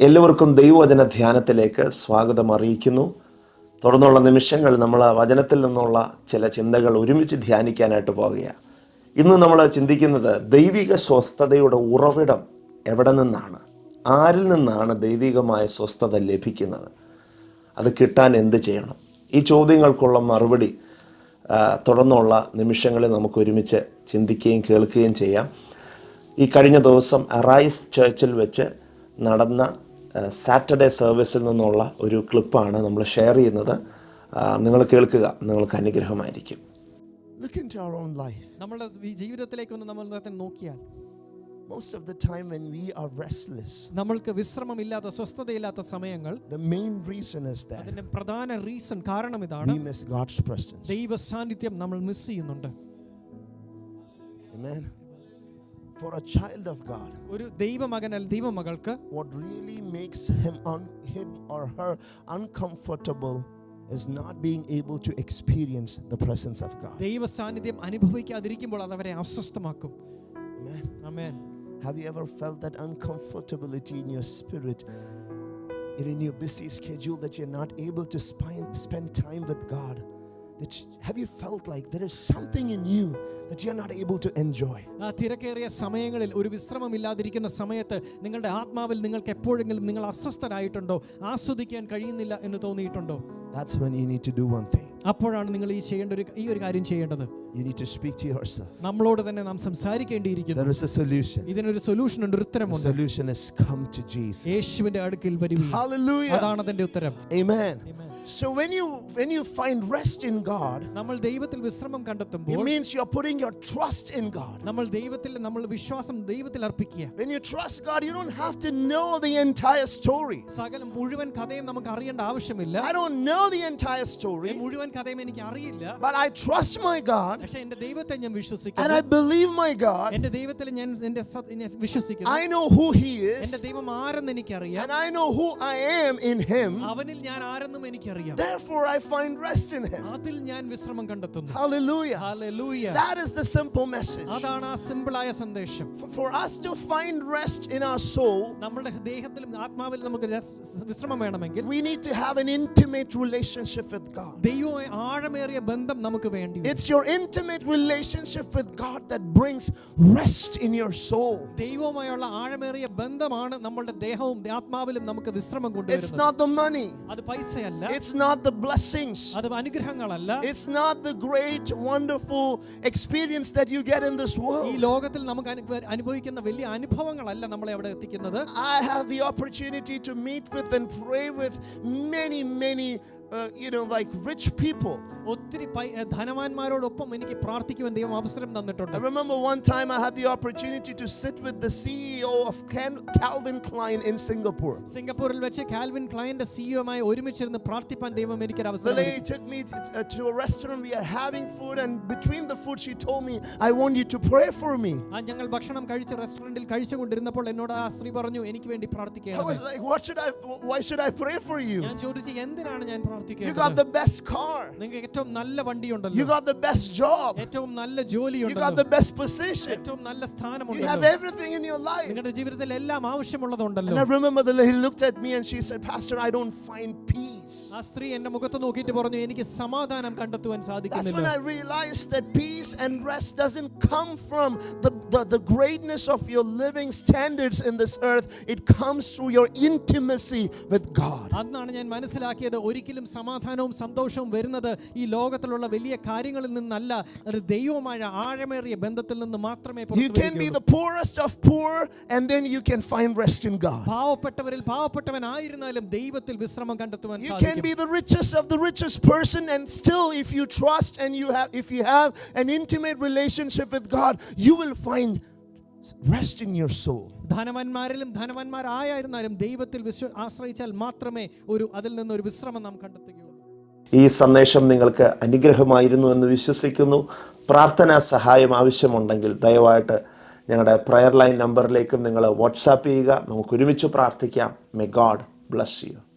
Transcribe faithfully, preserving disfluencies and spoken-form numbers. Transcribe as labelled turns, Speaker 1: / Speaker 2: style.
Speaker 1: എല്ലാവർക്കും ദൈവവചന ധ്യാനത്തിലേക്ക് സ്വാഗതം അറിയിക്കുന്നു. തുടർന്നുള്ള നിമിഷങ്ങൾ നമ്മൾ വചനത്തിൽ നിന്നുള്ള ചില ചിന്തകൾ ഒരുമിച്ച് ധ്യാനിക്കാനായിട്ട് പോകുകയാണ്. ഇന്ന് നമ്മൾ ചിന്തിക്കുന്നത് ദൈവിക സ്വസ്ഥതയുടെ ഉറവിടം എവിടെ നിന്നാണ്, ആരിൽ നിന്നാണ് ദൈവികമായ സ്വസ്ഥത ലഭിക്കുന്നത്, അത് കിട്ടാൻ എന്ത് ചെയ്യണം? ഈ ചോദ്യങ്ങൾക്കുള്ള മറുപടി തുടർന്നുള്ള നിമിഷങ്ങളിൽ നമുക്ക് ഒരുമിച്ച് ചിന്തിക്കുകയും കേൾക്കുകയും ചെയ്യാം. ഈ കഴിഞ്ഞ ദിവസം അറൈസ് ചർച്ചിൽ വെച്ച് നടന്ന സാറ്റർഡേ സർവീസിൽ നിന്നുള്ള ഒരു ക്ലിപ്പാണ് നമ്മൾ ഷെയർ ചെയ്യുന്നത്. നിങ്ങൾ കേൾക്കുക, നിങ്ങൾക്ക് അനുഗ്രഹമായിരിക്കും.
Speaker 2: Look into our own life.
Speaker 3: നമ്മുടെ ജീവിതത്തിലേക്ക് ഒന്ന് നമ്മൾ നോക്കിയാൽ
Speaker 2: most of the time when we are restless,
Speaker 3: നമ്മൾക്ക് വിശ്രമമില്ലാത്ത സ്വസ്ഥതയില്ലാത്ത സമയങ്ങൾ,
Speaker 2: the main reason is that
Speaker 3: അതിന്റെ പ്രധാന റീസൺ കാരണം ഇതാണ്,
Speaker 2: we miss God's presence.
Speaker 3: ദൈവ സാന്നിധ്യം നമ്മൾ മിസ് ചെയ്യുന്നുണ്ട്.
Speaker 2: Amen. For a child of God,
Speaker 3: ഒരു ദൈവമകനാൽ ദൈവമകൾക്ക്
Speaker 2: what really makes him on him or her uncomfortable is not being able to experience the presence of God.
Speaker 3: ദൈവ സാന്നിധ്യം അനുഭവിക്കാതിരിക്കുമ്പോൾ അത് അവരെ അസ്വസ്ഥമാക്കും.
Speaker 2: Amen.
Speaker 3: Amen.
Speaker 2: Have you ever felt that uncomfortability in your spirit, in your busy schedule, that you're not able to spend time with God? That, have you felt like there is something in you that you're not able to enjoy?
Speaker 3: ആ തിരക്കേറിയ സമയങ്ങളിൽ, ഒരു വിശ്രമമില്ലാതിരിക്കുന്ന സമയത്ത് നിങ്ങളുടെ ആത്മാവിൽ നിങ്ങൾക്ക് എപ്പോഴെങ്കിലും നിങ്ങൾ അസ്വസ്ഥരായിട്ടുണ്ടോ, ആസ്വദിക്കാൻ കഴിയുന്നില്ല എന്ന് തോന്നിയിട്ടുണ്ടോ?
Speaker 2: That's when you need to do one thing.
Speaker 3: അപ്പോഴാണ് നിങ്ങൾ ഈ ചെയ്യേണ്ട ഒരു ഈ ഒരു കാര്യം ചെയ്യേണ്ടത്.
Speaker 2: You need to speak to yourself.
Speaker 3: നമ്മളോട് തന്നെ നാം സംസാരിക്കേണ്ടിയിരിക്കുന്നു.
Speaker 2: There is a solution.
Speaker 3: ഇതിനൊരു സൊല്യൂഷൻ ഉണ്ട്, ഒരു ഉത്തരമുണ്ട്.
Speaker 2: The solution is come to Jesus.
Speaker 3: യേശുവിന്റെ അടുക്കൽ വരുവിൻ.
Speaker 2: Hallelujah.
Speaker 3: അതാണ് അതിന്റെ ഉത്തരം.
Speaker 2: Amen.
Speaker 3: Amen.
Speaker 2: So when you when you find rest in God,
Speaker 3: നമ്മൾ ദൈവത്തിൽ വിശ്രമം കണ്ടെത്തുമ്പോൾ,
Speaker 2: it means you're putting your trust in God.
Speaker 3: നമ്മൾ ദൈവത്തിൽ നമ്മൾ വിശ്വാസം ദൈവത്തിൽ അർപ്പിക്കുക.
Speaker 2: When you trust God, you don't have to know the entire story.
Speaker 3: സകലം മുഴുവൻ കഥയും നമുക്ക് അറിയേണ്ട ആവശ്യമില്ല.
Speaker 2: I don't know the entire story,
Speaker 3: മുഴുവൻ കഥയും എനിക്ക് അറിയില്ല,
Speaker 2: but I trust my God.
Speaker 3: പക്ഷേ എൻ്റെ ദൈവത്തെ ഞാൻ
Speaker 2: And
Speaker 3: വിശ്വസിക്കുന്നു.
Speaker 2: I believe my God.
Speaker 3: എൻ്റെ ദൈവത്തിൽ ഞാൻ എൻ്റെ വിശ്വസിക്കുന്നു.
Speaker 2: I know who He is.
Speaker 3: എൻ്റെ ദൈവം ആരെന്ന് എനിക്കറിയാം.
Speaker 2: And I know who I am in Him.
Speaker 3: അവനിൽ ഞാൻ ആരെന്നും എനിക്കറിയാം.
Speaker 2: Therefore I find rest in Him.
Speaker 3: അതിൽ ഞാൻ വിശ്രമം കണ്ടെത്തുന്നു.
Speaker 2: Hallelujah.
Speaker 3: Hallelujah.
Speaker 2: That is the simple message.
Speaker 3: അതാണ് ആ സിമ്പിളായ സന്ദേശം.
Speaker 2: For, for us to find rest in our soul,
Speaker 3: നമ്മുടെ ദേഹത്തിലും ആത്മാവിലും നമുക്ക് വിശ്രമം വേണമെങ്കിൽ,
Speaker 2: we need to have an intimate relationship with God.
Speaker 3: ദൈവവുമായി ആഴമേറിയ ബന്ധം നമുക്ക് വേണ്ടി.
Speaker 2: It's your intimate relationship with God that brings rest in your soul.
Speaker 3: ദൈവവുമായുള്ള ആഴമേറിയ ബന്ധമാണ് നമ്മുടെ ദേഹവും ആത്മാവിലും നമുക്ക് വിശ്രമം കൊണ്ടുവരുന്നത്.
Speaker 2: It's not the money.
Speaker 3: അത് പൈസയല്ല.
Speaker 2: It's not the blessings.
Speaker 3: അത് അനുഗ്രഹങ്ങളല്ല.
Speaker 2: It's not the great wonderful experience that you get in this world.
Speaker 3: ഈ ലോകത്തിൽ നമുക്ക് അനുഭവിക്കുന്ന വലിയ അനുഭവങ്ങളല്ല നമ്മളെ അവിടെ എത്തിക്കുന്നത്.
Speaker 2: I have the opportunity to meet with and pray with many many uh, you know like rich people.
Speaker 3: ഒത്തിരി ധനവാന്മാരോടൊപ്പം എനിക്ക് പ്രാർത്ഥിക്കുവാൻ ദൈവം അവസരം തന്നിട്ടുണ്ട്.
Speaker 2: I remember one time I had the opportunity to sit with the C E O of Calvin Klein in Singapore.
Speaker 3: സിംഗപ്പൂരിൽ വെച്ച് Calvin ക്ലൈന്റെ സിഇഒയുമായി ഒരുമിച്ചിരുന്ന് പ്രാർത്ഥിപ്പാൻ ദൈവം എനിക്ക് ഒരു അവസരം
Speaker 2: The lady took me to, to a restaurant. We are having food, and between the food she told me, I want you to pray for me.
Speaker 3: ആ ഞങ്ങൾ ഭക്ഷണം കഴിച്ച റെസ്റ്റോറന്റിൽ കഴിച്ചുകൊണ്ടിരുന്നപ്പോൾ എന്നോട് ആ സ്ത്രീ പറഞ്ഞു, എനിക്ക് വേണ്ടി പ്രാർത്ഥിക്കണം.
Speaker 2: I was like, what should I why should I pray for you?
Speaker 3: ഞാൻ ചോദിച്ചു, എന്തിനാണ് ഞാൻ പ്രാർത്ഥിക്കേണ്ടത്?
Speaker 2: You got the best car.
Speaker 3: നിങ്ങൾക്ക് ഏറ്റവും നല്ല വണ്ടിയുണ്ടല്ലോ.
Speaker 2: You got the best job.
Speaker 3: ഏറ്റവും നല്ല ജോലിയുണ്ടല്ലോ.
Speaker 2: You got the best position.
Speaker 3: ഏറ്റവും നല്ല സ്ഥാനമുണ്ടല്ലോ.
Speaker 2: You have everything in your life.
Speaker 3: നിങ്ങളുടെ ജീവിതത്തിൽ എല്ലാം ആവശ്യമുള്ളതുണ്ടല്ലോ.
Speaker 2: And I remember the lady looked at me and she said, Pastor, I don't find peace.
Speaker 3: ആ സ്ത്രീ എന്റെ മുഖത്ത് നോക്കിയിട്ട് പറഞ്ഞു, എനിക്ക് സമാധാനം കണ്ടെത്തുവാൻ സാധിക്കുന്നില്ല.
Speaker 2: That's when I realized that peace and rest doesn't come from the, the the greatness of your living standards in this earth. It comes through your intimacy with God.
Speaker 3: അന്നാണ് ഞാൻ മനസ്സിലാക്കിയത്, ഒരിക്കലും സമാധാനവും സന്തോഷവും വരുന്നത് ഈ ലോകത്തിലുള്ള വലിയ കാര്യങ്ങളിൽ നിന്നല്ല, ഒരു ദൈവവുമായ ആഴമേറിയ ബന്ധത്തിൽ നിന്ന് മാത്രമേ പുറത്തു വരൂ.
Speaker 2: You can be the poorest of poor and then you can find rest in God.
Speaker 3: പാവപ്പെട്ടവരിൽ പാവപ്പെട്ടവനായിരുന്നാലും ദൈവത്തിൽ വിശ്രമം കണ്ടെത്തുവാൻ സാധിക്കും.
Speaker 2: You can be the richest of the richest person and still if you trust and you have if you have an intimate relationship with God, you will find rest in your soul.
Speaker 3: ധനവാന്മാരിലും ധനവാന്മാരായിരുന്നാലും ദൈവത്തിൽ ആശ്രയിച്ചാൽ മാത്രമേ ഒരു അതിൽ നിന്ന് ഒരു വിശ്രമം നാം കണ്ടെത്തുകയുള്ളൂ.
Speaker 1: ഈ സന്ദേശം നിങ്ങൾക്ക് അനുഗ്രഹമായിരുന്നു എന്ന് വിശ്വസിക്കുന്നു. പ്രാർത്ഥനാ സഹായം ആവശ്യമുണ്ടെങ്കിൽ ദയവായിട്ട് ഞങ്ങളുടെ പ്രയർ ലൈൻ നമ്പറിലേക്കും നിങ്ങൾ വാട്സാപ്പ് ചെയ്യുക. നമുക്ക് ഒരുമിച്ച് പ്രാർത്ഥിക്കാം. May God bless U.